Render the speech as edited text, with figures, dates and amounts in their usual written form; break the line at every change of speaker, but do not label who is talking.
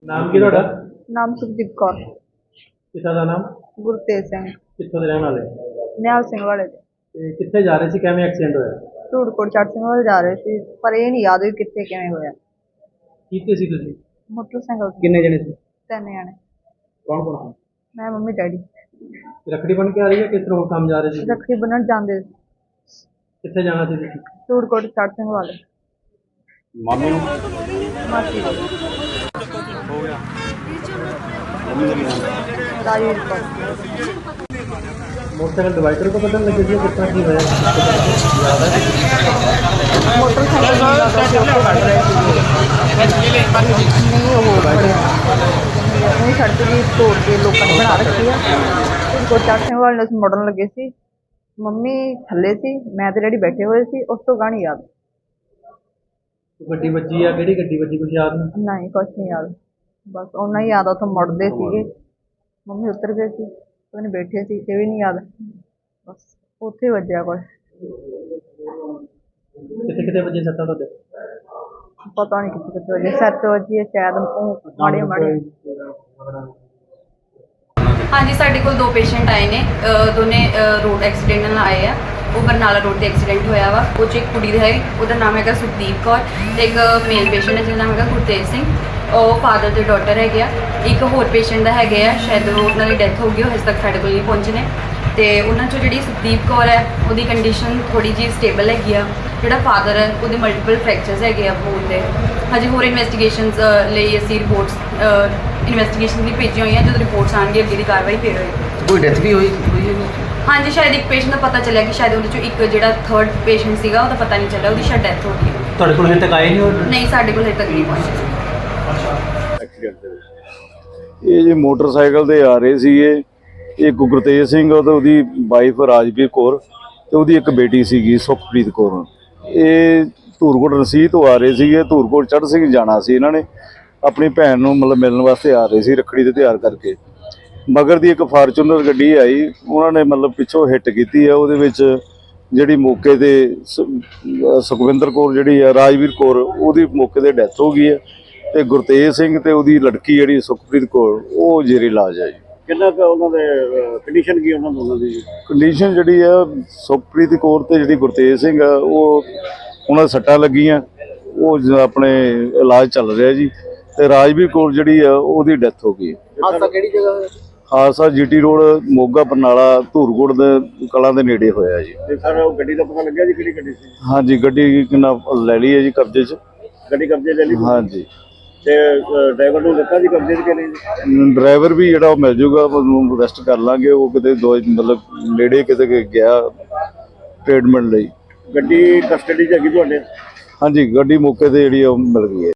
ਨਾਮ ਕੀ ਤੁਹਾਡਾ?
ਨਾਮ ਸੁਖਦੀਪ ਕੌਰ।
ਪਿਤਾ ਦਾ ਨਾਮ?
ਗੁਰਤੇਜ ਸਿੰਘ।
ਕਿੱਥੋਂ ਦੇ ਰਹਿਣ ਵਾਲੇ?
ਨਿਹਾਲ ਸਿੰਘ ਵਾਲੇ ਦੇ।
ਤੇ ਕਿੱਥੇ ਜਾ ਰਹੇ ਸੀ, ਕਿਵੇਂ ਐਕਸੀਡੈਂਟ ਹੋਇਆ?
ਧੂੜਕੋਟ ਚੜ੍ਹ ਸਿੰਘ ਵਾਲੇ ਜਾ ਰਹੇ ਸੀ, ਪਰ ਇਹ ਨਹੀਂ ਯਾਦ ਵੀ ਕਿੱਥੇ ਕਿਵੇਂ ਹੋਇਆ।
ਕਿੱਥੇ ਸੀ ਤੁਸੀਂ?
ਮੋਟਰਸਾਈਕਲ ਤੇ।
ਕਿੰਨੇ ਜਣੇ ਸੀ?
3 ਜਣੇ।
ਕੌਣ ਕੌਣ?
ਮੈਂ, ਮੰਮੀ, ਡੈਡੀ।
ਰੱਖੜੀ ਬਣ ਕੇ ਆ ਰਹੀ ਹੈ, ਕਿਸ ਤਰ੍ਹਾਂ ਕੰਮ ਜਾ ਰਹੇ ਸੀ?
ਰੱਖੜੀ ਬੰਨ੍ਹਣ ਜਾਂਦੇ ਸੀ।
ਕਿੱਥੇ ਜਾਣਾ ਸੀ ਤੁਸੀਂ?
ਧੂੜਕੋਟ ਚੜ੍ਹ ਸਿੰਘ ਵਾਲੇ।
ਮਾਮੇ ਨੂੰ?
ਮਾਸੀ ਕੋਲ।
ਹੋ ਗਿਆ। ਮੰਮੀ ਦਾ ਕੀ ਨਾਮ?
ਰਾਜਵੀਰ ਕੌਰ।
मोटरसाइकिल डिवाइडर को बदलने लगे थे, कितना की होया?
मोटरसाइकिल नहीं वो सड़क की तोड़ के लोगों ने बना रखी है। धूड़कोट चढ़ ਸਿੰਘ वाले ने मुड़न लगे सी, मम्मी थले सी, मैं ते डैडी बैठे हुए सी। उस तो गानी याद
गड्डी बची है, किहड़ी गड्डी बची कुछ याद नहीं?
नहीं, कुछ नहीं याद, बस उन्ना ही याद। उतों मुड़ते सीगे, मम्मी उतर गए सी, पता नहीं बैठे सी, ये भी नहीं याद। बस उत्थे वजया कुछ।
कितने कितने बजे सत्ता तो
पता नहीं कितने कितने वजे। 7 वजे शायद, माड़े माड़े।
हाँ जी, साढ़े को 2 पेशेंट आए ने, दोने रोड एक्सीडेंट नाल आए आ। वो बरनाला रोड ते एक्सीडेंट होया वा। वो च एक कुड़ी है, उसका नाम है सुखदीप कौर, ते एक मेल पेशेंट है जिसका नाम है गुरतेज सिंह। ਉਹ ਫਾਦਰ ਤੇ ਡਾਟਰ ਹੈਗੇ ਆ। ਇੱਕ ਹੋਰ ਪੇਸ਼ੈਂਟ ਦਾ ਹੈਗੇ ਆ, ਸ਼ਾਇਦ ਉਹਨਾਂ ਦੀ ਡੈਥ ਹੋ ਗਈ, ਉਹ ਹਜੇ ਤੱਕ ਸਾਡੇ ਕੋਲ ਨਹੀਂ ਪਹੁੰਚੇ ਨੇ। ਤੇ ਉਹਨਾਂ 'ਚੋਂ ਜਿਹੜੀ ਸੁਖਦੀਪ ਕੌਰ ਹੈ, ਉਹਦੀ ਕੰਡੀਸ਼ਨ ਥੋੜੀ ਜਿਹੀ ਸਟੇਬਲ ਹੈਗੀ ਆ। ਜਿਹੜਾ ਫਾਦਰ ਹੈ, ਉਹਦੇ ਮਲਟੀਪਲ ਫ੍ਰੈਕਚਰਸ ਹੈਗੇ ਆ ਬੋਨ ਦੇ। ਹਜੇ ਹੋਰ ਇਨਵੈਸਟੀਗੇਸ਼ਨਸ ਲਈ ਅਸੀਂ ਰਿਪੋਰਟਸ ਇਨਵੈਸਟੀਗੇਸ਼ਨ ਦੀ ਭੇਜੀਆਂ ਹੋਈਆਂ। ਜਦੋਂ ਰਿਪੋਰਟਸ ਆਉਣਗੇ ਅੱਗੇ ਦੀ ਕਾਰਵਾਈ ਫਿਰ ਹੋਏਗੀ।
ਕੋਈ ਡੈਥ ਵੀ ਹੋਈ ਹੈ?
ਹਾਂਜੀ, ਸ਼ਾਇਦ ਇੱਕ ਪੇਸ਼ੈਂਟ ਦਾ ਪਤਾ ਚੱਲਿਆ ਕਿ ਸ਼ਾਇਦ ਉਹਦੇ 'ਚੋਂ ਇੱਕ ਜਿਹੜਾ 3rd ਪੇਸ਼ੈਂਟ ਸੀਗਾ, ਉਹਦਾ ਪਤਾ ਨਹੀਂ ਚੱਲਿਆ, ਉਹਦੀ ਸ਼ਾਇਦ ਡੈਥ ਹੋ ਗਈ।
ਤੁਹਾਡੇ ਕੋਲ ਹਜੇ ਤੱਕ ਆਏ ਨਹੀਂ?
ਨਹੀਂ, ਸਾਡੇ ਕੋਲ ਹਜੇ ਤੱਕ ਨਹੀਂ ਪਹੁੰਚੇ।
ਇਹ ਜੀ ਮੋਟਰਸਾਈਕਲ ਤੇ ਆ ਰਹੇ ਸੀਗੇ। ਇਹ ਗੁਰਤੇਜ ਸਿੰਘ ਤੇ ਉਹਦੀ ਵਾਈਫ ਰਾਜਵੀਰ ਕੌਰ ਤੇ ਉਹਦੀ ਇੱਕ ਬੇਟੀ ਸੀਗੀ ਸੁਖਪ੍ਰੀਤ ਕੌਰ। ਇਹ ਧੂੜਕੋਟ ਰਸੀਦ ਤੋਂ ਆ ਰਹੇ ਸੀਗੇ, ਧੂੜਕੋਟ ਚੜ੍ਹ ਸਿੰਘ ਜਾਣਾ ਸੀ। ਇਹਨਾਂ ਨੇ ਆਪਣੀ ਭੈਣ ਨੂੰ ਮਤਲਬ ਮਿਲਣ ਵਾਸਤੇ ਆ ਰਹੇ ਸੀ ਰੱਖੜੀ ਦੇ ਤਿਉਹਾਰ ਕਰਕੇ। ਮਗਰ ਦੀ ਇੱਕ ਫਾਰਚੂਨਰ ਗੱਡੀ ਆਈ, ਉਹਨਾਂ ਨੇ ਮਤਲਬ ਪਿੱਛੋਂ ਹਿੱਟ ਕੀਤੀ ਆ। ਉਹਦੇ ਵਿੱਚ ਜਿਹੜੀ ਮੌਕੇ ਤੇ ਸੁਖਵਿੰਦਰ ਕੌਰ ਜਿਹੜੀ ਆ, ਰਾਜਵੀਰ ਕੌਰ, ਉਹਦੀ ਮੌਕੇ ਤੇ ਡੈਥ ਹੋ ਗਈ ਹੈ। ਤੇ ਗੁਰਤੇਜ ਸਿੰਘ ਤੇ ਉਹਦੀ ਲੜਕੀ ਜਿਹੜੀ ਸੁਖਪ੍ਰੀਤ ਕੌਰ, ਉਹ ਜ਼ੇਰੇ ਇਲਾਜ ਹੈ ਜੀ।
ਕਿੰਨਾ ਕੁ ਉਹਨਾਂ ਦੇ ਕੰਡੀਸ਼ਨ ਕੀ ਉਹਨਾਂ ਦੋਨਾਂ ਦੀ?
ਕੰਡੀਸ਼ਨ ਜਿਹੜੀ ਆ ਸੁਖਪ੍ਰੀਤ ਕੌਰ ਤੇ ਜਿਹੜੀ ਗੁਰਤੇਜ ਸਿੰਘ ਆ, ਉਹ ਉਹਨਾਂ ਦੇ ਸੱਟਾਂ ਲੱਗੀਆਂ, ਉਹ ਆਪਣੇ ਇਲਾਜ ਚੱਲ ਰਿਹਾ ਜੀ। ਤੇ ਰਾਜਵੀਰ ਕੌਰ ਜਿਹੜੀ ਆ, ਉਹਦੀ ਡੈਥ ਹੋ ਗਈ।
ਹਾਦਸਾ ਕਿਹੜੀ ਜਗ੍ਹਾ ਹੋਇਆ?
ਹਾਦਸਾ ਜੀਟੀ ਰੋਡ ਮੋਗਾ ਬਰਨਾਲਾ ਧੂੜਕੋਟ ਦੇ ਕਲਾਂ ਦੇ ਨੇੜੇ ਹੋਇਆ ਜੀ।
ਤੇ ਸਰ ਉਹ ਗੱਡੀ ਦਾ ਪਤਾ ਲੱਗਿਆ ਜੀ ਕਿਹੜੀ ਗੱਡੀ ਸੀ?
ਹਾਂਜੀ, ਗੱਡੀ ਕਿੰਨਾ ਲੈ ਲਈ ਹੈ ਜੀ ਕਬਜ਼ੇ 'ਚ।
ਗੱਡੀ ਕਬਜ਼ੇ ਲੈ ਲਈ?
ਹਾਂਜੀ।
ਤੇ ਡਰਾਈਵਰ ਨੂੰ ਦਿੱਤਾ ਜੀ ਕਬਜ਼ੇ 'ਚ ਕਿ ਨਹੀਂ?
ਡਰਾਈਵਰ ਵੀ ਜਿਹੜਾ ਉਹ ਮਿਲ ਜੂਗਾ, ਉਹਨੂੰ ਅਰੈਸਟ ਕਰ ਲਾਂਗੇ। ਉਹ ਕਿਤੇ ਮਤਲਬ ਨੇੜੇ ਕਿਤੇ ਗਿਆ ਟ੍ਰੀਟਮੈਂਟ ਲਈ।
ਗੱਡੀ ਕਸਟਡੀ 'ਚ ਹੈਗੀ ਤੁਹਾਡੇ?
ਹਾਂਜੀ, ਗੱਡੀ ਮੌਕੇ ਤੇ ਜਿਹੜੀ ਉਹ ਮਿਲ ਗਈ ਹੈ।